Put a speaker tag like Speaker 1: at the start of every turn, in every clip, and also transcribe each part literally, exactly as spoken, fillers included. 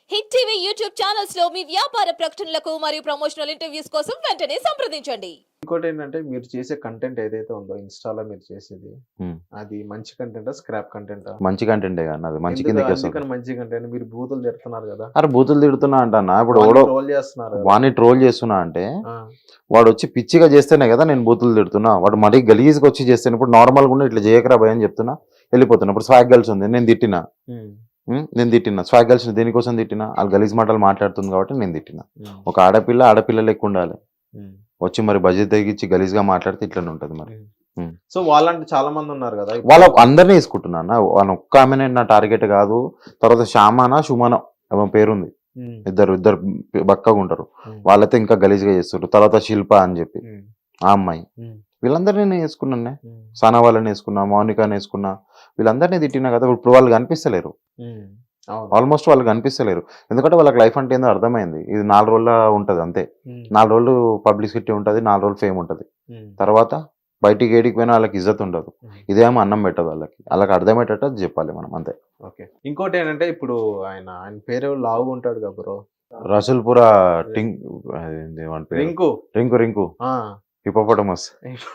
Speaker 1: Hit TV YouTube channels లో మీ వ్యాపార ప్రకటనలకు మరియు ప్రమోషనల్ ఇంటర్వ్యూస్ కోసం వెంటనే సంప్రదించండి.
Speaker 2: ఇంకోటి ఏంటంటే మీరు చేసే కంటెంట్ ఏదైతే ఉందో ఇన్‌స్టా‌లో మీరు చేసేది,
Speaker 3: హ్మ్.
Speaker 2: అది మంచి కంటెంటా? స్క్రాప్ కంటెంటా?
Speaker 3: మంచి కంటెంటే గాని అది మంచి
Speaker 2: ఎందుకు
Speaker 3: కిందకే వస్తది.
Speaker 2: అందుకని మంచి కంటెంట్ మీరు బూతులు తిడుతున్నారు గదా!
Speaker 3: అరె బూతులు తిడుతున్నా అంటన్నా. ఇప్పుడు
Speaker 2: వాడిని
Speaker 3: ఎవడో
Speaker 2: ట్రోల్ చేస్తున్నారు గదా!
Speaker 3: వాడిని ట్రోల్ చేస్తున్నా అంటే
Speaker 2: ఆ!
Speaker 3: వాడొచ్చి పిచ్చిగా చేస్తేనే కదా నేను బూతులు తిడుతున్నా. వాడు మరీ గలీజ్‌గా వచ్చి చేస్తేనే ఇప్పుడు నార్మల్‌గా ఉండి ఇట్లా చేయకురా భయ్ అని చెప్తున్నా వెళ్ళిపోతున్నా. ఇప్పుడు స్వాగ్ గర్ల్స్ ఉంది నేను తిట్టినా.
Speaker 2: హ్మ్.
Speaker 3: హ్మ్. నేను తిట్టినా. స్వాగ్ గర్ల్స్‌ని దేనికోసం తిట్టినా? ఆళ్ళు గలీజ్ మాటలు మాట్లాడుతుంది కాబట్టి నేను తిట్టినా.
Speaker 2: హ్మ్.
Speaker 3: ఒక ఆడపిల్ల ఆడపిల్ల లెక్క ఉండాలి.
Speaker 2: హ్మ్.
Speaker 3: వచ్చి మరి బడ్జెట్ తగ్గించి గలీజ్‌గా మాట్లాడితే ఇట్లనే ఉంటది మరి.
Speaker 2: హ్మ్.
Speaker 3: హ్మ్.
Speaker 2: సో వాళ్ళంటే చాలా మంది ఉన్నారు గదా!
Speaker 3: వాళ్ళ
Speaker 2: ఇప్పుడు
Speaker 3: అందరిని వేసుకుంటున్నా అన్న. వాళ్ళ ఒక్క ఆమెనే నా టార్గెట్ కాదు. తర్వాత శ్యామానా, సుమనో ఆమె పేరుంది.
Speaker 2: హ్మ్.
Speaker 3: ఇద్దరు ఇద్దరు బక్కగా ఉంటారు.
Speaker 2: హ్మ్.
Speaker 3: వాళ్ళైతే ఇంకా గలీజ్‌గా చేస్తుండ్రు. తర్వాత శిల్ప అని చెప్పి
Speaker 2: హ్మ్.
Speaker 3: ఆ అమ్మాయి.
Speaker 2: హ్మ్.
Speaker 3: వీళ్ళందరినీ నేను వేసుకున్నానే.
Speaker 2: హ్మ్.
Speaker 3: సనా వాళ్ళని వేసుకున్నా, మౌనికాని వేసుకున్నా. వీళ్ళందరినీ తిట్టినా కదా! ఇప్పుడు వాళ్ళు కనిపిస్తలేరు.
Speaker 2: హ్మ్. అవును.
Speaker 3: ఆల్మోస్ట్ వాళ్ళు కనిపిస్తలేరు. ఎందుకంటే వాళ్ళకి లైఫ్ అంటే ఏందో అర్థమైంది. ఇది నాలుగు రోజుల ఉంటది అంతే.
Speaker 2: హ్మ్.
Speaker 3: నాలుగు రోజులు పబ్లిసిటీ ఉంటది. నాలుగు రోజులు ఫేమ్ ఉంటది.
Speaker 2: హ్మ్.
Speaker 3: తర్వాత బయటికి ఏడికి పోయినా వాళ్ళకి ఇజ్జత్ ఉండదు.
Speaker 2: హ్మ్.
Speaker 3: ఇదేమో అన్నం పెట్టదు వాళ్ళకి. వాళ్ళకి అర్థమయ్యేటట్టు అది చెప్పాలి మనం అంతే.
Speaker 2: ఓకే. ఇంకోటి ఏంటంటే ఇప్పుడు ఆయన ఆయన పేరు లావుగా ఉంటాడు కదా బ్రో.
Speaker 3: రసూల్‌పుర టింక్ అదేంటి వాని పేరు?
Speaker 2: రింకు.
Speaker 3: రింకు రింకు.
Speaker 2: ఆ!
Speaker 3: హిపోపోటమస్.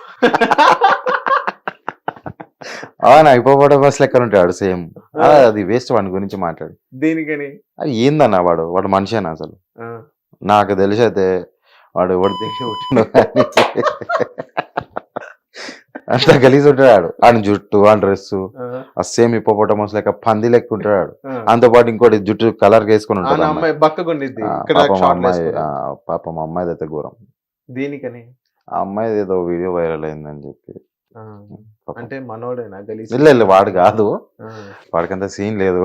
Speaker 3: అవునా హిపోపోటమస్ లెక్కన ఉంటాడు సేమ్. ఆ! అది వేస్ట్ వాని గురించి మాట్లాడు.
Speaker 2: దేనికని?
Speaker 3: అది ఏందన్న వాడు? వాడు మనిషేనా అసలు?
Speaker 2: ఆ!
Speaker 3: నాకు తెలిసైతే వాడు ఎవడు దిగి పుట్టిండో కానీ అంత గలీజ్ ఉంటాడు ఆడు. ఆని జుట్టు, ఆని డ్రెస్సు
Speaker 2: ఆ!
Speaker 3: ఆ సేమ్ హిపోపోటమస్ లెక్క పంది లెక్క ఉంటాడు ఆడు.
Speaker 2: ఆ!
Speaker 3: అంతో పాటు ఇంకోటి జుట్టు కలర్ వేసుకొని
Speaker 2: ఆ
Speaker 3: ఉంటది
Speaker 2: నా
Speaker 3: అమ్మాయి.
Speaker 2: అమ్మాయి బక్కగుండిద్ది.
Speaker 3: ఆ,
Speaker 2: ఇక్కడ
Speaker 3: పాపం ఆ
Speaker 2: షార్ట్‌లు
Speaker 3: అమ్మాయి
Speaker 2: ఏసుకొని.
Speaker 3: ఆ, పాపం ఆ అమ్మాయిది అయితే ఘోరం.
Speaker 2: దేనికని?
Speaker 3: ఆ అమ్మాయిది ఏదో వీడియో వైరల్ అయిందని చెప్పి.
Speaker 2: ఆ!
Speaker 3: పాపం.
Speaker 2: అంటే మనోడేనా గలీజ్
Speaker 3: ಇಲ್ಲ ಇಲ್ಲ వాడు కాదు.
Speaker 2: ఆ!
Speaker 3: వాడికంత సీన్ లేదు.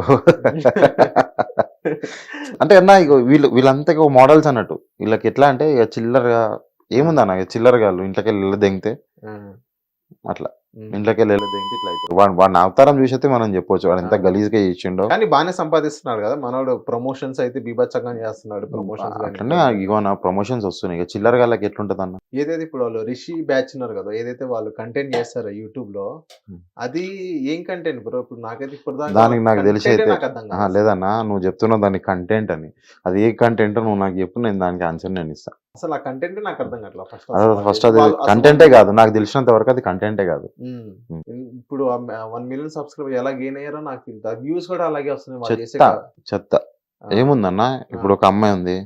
Speaker 3: అంటే అన్న ఇగో వీళ్ళు వీళ్ళంతా ఇగో మోడల్స్ అన్నట్టు. వీళ్ళకి ఎట్లా అంటే ఇక చిల్లరగా ఏముందన్న ఇక చిల్లరగాళ్ళు ఇంట్లోకెళ్ళి దెంగితే
Speaker 2: ఆ!
Speaker 3: అట్లా.
Speaker 2: హ్మ్.
Speaker 3: ఇంట్లోకెళ్ళి దెంగితే ఇట్లా అవుతారు. వాడు వాడిని అవతారం చూసైతే మనం చెప్పొచ్చు. వాడు ఎంత
Speaker 2: ఆ!
Speaker 3: గలీజ్‌గా చేసిండో.
Speaker 2: కానీ బానే సంపాదిస్తున్నాడు గదా! మనోడు ప్రమోషన్స్ అయితే బీభత్సంగా చేస్తున్నాడు. ప్రమోషన్స్ గాని
Speaker 3: అట్లనే
Speaker 2: ఇంకోటి గాని.
Speaker 3: ఇగో నా ప్రమోషన్స్ వస్తున్నాయి. ఇక చిల్లరగాళ్ళకి ఎట్లుంటదన్న?
Speaker 2: ఏదైతే ఇప్పుడు వాళ్ళు 'రిషి బ్యాచ్' ఉన్నారు గదా! ఏదైతే వాళ్ళు కంటెంట్ చేస్తారో యూట్యూబ్‌లో
Speaker 3: హ్మ్.
Speaker 2: అది ఏం కంటెంట్ బ్రో? ఇప్పుడు నాకైతే ఇప్పటిదాకా
Speaker 3: దానికి నాకు తెలిసి
Speaker 2: కంటెంటే
Speaker 3: అయితే
Speaker 2: నాకు అర్థం
Speaker 3: అహా!
Speaker 2: కాదు అసలు.
Speaker 3: లేదన్నా నువ్వు చెప్తున్నావు దానికి కంటెంట్ అని. అది ఏ కంటెంటో నువ్వు నాకు చెప్పు నేను దానికి ఆన్సర్ నేను ఇస్తా.
Speaker 2: అసలు ఆ కంటెంటే నాకు అర్థం కావట్లా ఫస్ట్
Speaker 3: అదే
Speaker 2: అసలు వాళ్ళు
Speaker 3: ఫస్ట్
Speaker 2: చేసే
Speaker 3: అది
Speaker 2: వాళ్ళు అసలు
Speaker 3: కంటెంటే
Speaker 2: వాళ్ళు
Speaker 3: కాదు. నాకు తెలిసినంత వరకు అది కంటెంటే కాదు.
Speaker 2: హ్మ్.
Speaker 3: హ్మ్.
Speaker 2: ఇన్ ఇప్పుడు ఆహ్, మ ఒక మిలియన్ సబ్‌స్క్రైబర్ ఎలా గెయిన్ అయ్యారో నాకు తెలీదు. ఆ వ్యూస్ కూడా అలాగే వస్తున్నాయి వాళ్ళు చేసే
Speaker 3: చెత్త.
Speaker 2: క
Speaker 3: చెత్త.
Speaker 2: ఆ!
Speaker 3: ఏముందన్న
Speaker 2: ఆ!
Speaker 3: ఇప్పుడు ఒక అమ్మాయి ఉంది.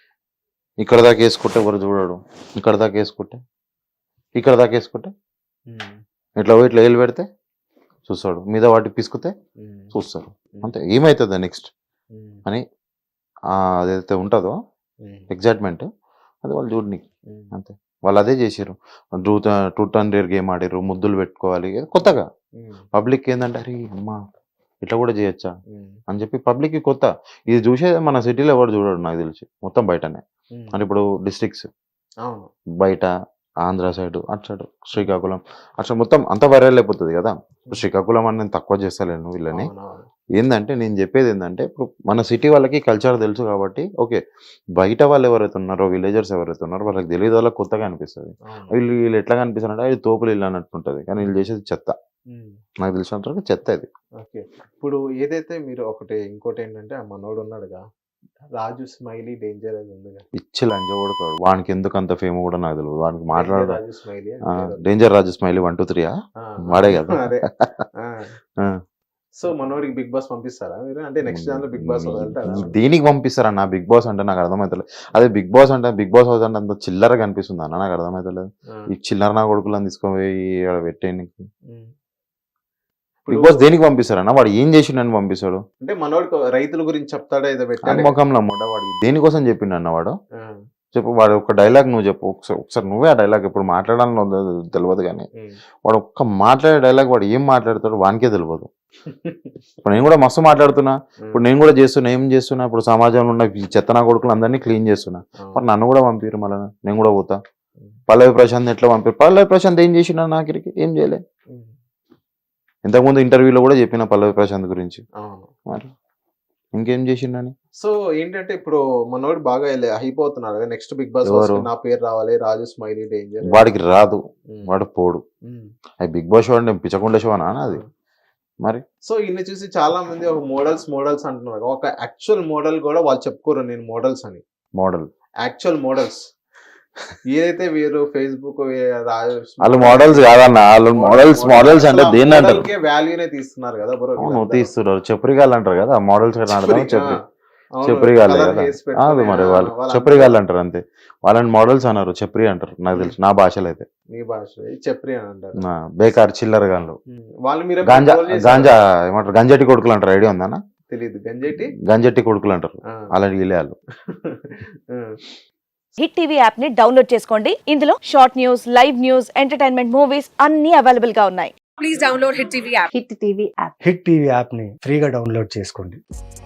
Speaker 3: ఇక్కడ దాకా ఏసుకుంటే ఎవరు చూడడు. ఇక్కడ దాకా ఏసుకుంటే, ఇక్కడ దాకా ఏసుకుంటే,
Speaker 2: హ్మ్.
Speaker 3: ఇట్లా పోయి ఇట్లా ఏలు పెడితే చూస్తాడు. మీద వాటి పిసికితే
Speaker 2: హ్మ్.
Speaker 3: చూస్తారు.
Speaker 2: హ్మ్.
Speaker 3: అంతే. ఏమైతది నెక్స్ట్
Speaker 2: హ్మ్.
Speaker 3: అని ఆహ్, అదైతే ఉంటదో
Speaker 2: హ్మ్.
Speaker 3: ఎక్సైట్‌మెంట్ అది వాళ్ళు చూడనీకి.
Speaker 2: హ్మ్.
Speaker 3: అంతే. వాళ్ళు అదే చేసిర్రు. Truth ah, truth and dare game ఆడిర్రు. ముద్దులు పెట్టుకోవాలి. ఏదో కొత్తగా.
Speaker 2: హ్మ్.
Speaker 3: పబ్లిక్ ఏందంటే అరే అమ్మా! ఇట్లా కూడా చేయొచ్చా?
Speaker 2: హ్మ్.
Speaker 3: అని చెప్పి పబ్లిక్‌కి కొత్త. ఇది చూసేది మన సిటీలో ఎవడు చూడడు నాకు తెలిసి. మొత్తం బయటనే.
Speaker 2: హ్మ్.
Speaker 3: అంటే ఇప్పుడు డిస్ట్రిక్ట్స్
Speaker 2: అవును.
Speaker 3: బయట ఆంధ్ర సైడు, అటు సైడు శ్రీకాకుళం అట్లా మొత్తం అంతా వైరల్ అయిపోతది కదా! ఇప్పుడు శ్రీకాకుళం అని నేను తక్కువ చేస్తలేను వీళ్ళని.
Speaker 2: అవునవును.
Speaker 3: ఏందంటే నేను చెప్పేది ఏందంటే ఇప్పుడు మన సిటీ వాళ్ళకి కల్చర్ తెలుసు కాబట్టి ఓకే. బయట వాళ్ళు ఎవరైతే ఉన్నారో విలేజర్స్ ఎవరైతే ఉన్నారో వాళ్ళకి తెలియదు వాళ్ళకి కొత్తగా అనిపిస్తది.
Speaker 2: అవును.
Speaker 3: వీళ్ళు వీళ్ళు ఎట్లా కనిపిస్తారంటే అది తోపులు ఇల్లు అన్నట్టుంటది. కానీ వీళ్ళు చేసేది చెత్త.
Speaker 2: హ్మ్.
Speaker 3: నాకు తెలిసినంత వరకు చెత్త ఇది.
Speaker 2: ఓకే. ఇప్పుడు ఏదైతే మీరు ఒకటి ఇంకోటేంటంటే ఆ మనోడు ఉన్నాడుగా 'రాజు స్మైలీ డేంజర్' అది ఉందిగా.
Speaker 3: పిచ్చి లంజ కొడతాడు. వానికి ఎందుకు అంత ఫేమ్ కూడా నాకు తెలవదు. వానికి
Speaker 2: 'డేంజర్
Speaker 3: మాట్లాడడం
Speaker 2: రాజు స్మైలీ' అని
Speaker 3: ఆ!
Speaker 2: పేరుంది.
Speaker 3: డేంజర్ రాజు స్మైలీ ఒకటి, రెండు, మూడు
Speaker 2: ఆ!
Speaker 3: వాడే కదా!
Speaker 2: అదే. ఆ!
Speaker 3: ఆ!
Speaker 2: సో, మనోడికి 'బిగ్ బాస్' పంపిస్తారా మీరు? అంటే నెక్స్ట్ దాంట్లో 'బిగ్ బాస్' వదులుతాడా?
Speaker 3: ఈ దేనికి పంపిస్తారన్న బిగ్ బాస్ అంటే నాకు అర్థమైతలేదు. అదే బిగ్ బాస్ అంటే బిగ్ బాస్ హౌస్ అంటే అంత చిల్లరగా కనిపిస్తుంది అన్న నాకు అర్థమైతలేదు.
Speaker 2: ఆ!
Speaker 3: ఈ చిల్లర నా కొడుకులను తీసుకుపోయి ఆడ పెట్టేయనీకి.
Speaker 2: హ్మ్.
Speaker 3: బిగ్
Speaker 2: ఇప్పుడు
Speaker 3: బాస్ దేనికి పంపిస్తారన్న? వాడు ఏం చేసిండని పంపిస్తాడు?
Speaker 2: అంటే మనోడు రైతుల గురించి చెప్తాడా ఏదో పెట్టాడుగా.
Speaker 3: నమ్మకంలో ముడ్డ వాడు దేనికోసం చెప్పిండన్న వాడు?
Speaker 2: ఆ!
Speaker 3: చెప్పు వాడు ఒక డైలాగ్ నువ్వు చెప్పు. ఒకసారి ఒకసారి నువ్వే ఆ డైలాగ్ ఇప్పుడు మాట్లాడాలని ఉందో తెలవదు గానీ,
Speaker 2: హ్మ్.
Speaker 3: వాడు ఒక్క మాట్లాడే డైలాగ్ వాడు ఏం మాట్లాడతాడో వానికే తెలవదు. ఇప్పుడు నేను కూడా మస్తు మాట్లాడుతున్నా. ఇప్పుడు నేను కూడా చేస్తున్నా. ఏం చేస్తున్నా? ఇప్పుడు సమాజంలో ఉన్న ఈ చెత్త నా కొడుకులు అందరినీ క్లీన్ చేస్తున్నా. మరి నన్ను కూడా పంపిర్రు మళ్ళా. నేను కూడా పోతా. పల్లవి ప్రశాంత్ ఎట్లా పంపిర్రు? పల్లవి ప్రశాంత్ ఏం చేసిండు నాకిరికి? ఏం చేయలే.
Speaker 2: హ్మ్.
Speaker 3: ఇంతకుముందు ఇంటర్వ్యూలో కూడా చెప్పిన పల్లవి ప్రశాంత్ గురించి.
Speaker 2: అవును.
Speaker 3: మరి ఇంకేం చేసిండని?
Speaker 2: సో, ఏంటంటే ఇప్పుడు మనోడు బాగా ఎలే హైప్ అవుతున్నాడు కదా! నెక్స్ట్ 'బిగ్ బాస్'
Speaker 3: ఎవరు?
Speaker 2: హౌస్‌కి నా పేరు రావాలి. 'రాజు స్మైలీ డేంజర్'
Speaker 3: వాడికి రాదు.
Speaker 2: హ్మ్.
Speaker 3: వాడు పోడు.
Speaker 2: హ్మ్.
Speaker 3: అది బిగ్ బాస్ షో అంటే పిచ్చకుండా షో అనా అది? మరి
Speaker 2: సో ఇన్ని చూసి చాలా మంది ఒక మోడల్స్ మోడల్స్ అంటున్నారు. ఒక యాక్చువల్ మోడల్ కూడా వాళ్ళు చెప్పుకోరు నేను మోడల్స్ అని.
Speaker 3: మోడల్
Speaker 2: యాక్చువల్ మోడల్స్ ఏదైతే వీరు ఫేస్బుక్
Speaker 3: వాళ్ళు మోడల్స్ కాదన్న, వాళ్ళు మోడల్స్ మోడల్స్ అంటే దేన్ని అంటారు?
Speaker 2: వాల్యూనే తీస్తున్నారు కదా బ్రో.
Speaker 3: అవును తీస్తున్నారు, చెప్పురిగాళ్ళు అంటారు కదా మోడల్స్ అర్థం చెప్పి చెప్పురిగాళ్ళే కదా. అది మరి వాళ్ళు చెప్పురిగాళ్ళు అంటారు అంతే, వాళ్ళని మోడల్స్ అన్నారు, చెప్రి అంటారు నాకు తెలుసు నా భాషలో అయితే.
Speaker 2: నీ భాష చెప్రి అని అంటారు.
Speaker 3: ఆ, బేకార్ చిల్లర గాన్లు
Speaker 2: వాళ్ళు మీరు
Speaker 3: గాంజా గాంజా ఏమంటారు గంజటి కొడుకులు అంటారు, ఐడియా ఉందన్న?
Speaker 2: తెలియదు. గంజేటి
Speaker 3: గంజటి కొడుకులు అంటారు అలాంటి వీళ్ళే వాళ్ళు.
Speaker 4: హిట్ టీవీ యాప్ ని డౌన్లోడ్ చేసుకోండి. ఇందులో short news, live news, entertainment movies అన్ని అవైలబుల్ గా ఉన్నాయి. Please download Hit TV app.
Speaker 5: Hit TV యాప్ని ఫ్రీగా డౌన్లోడ్ చేసుకోండి.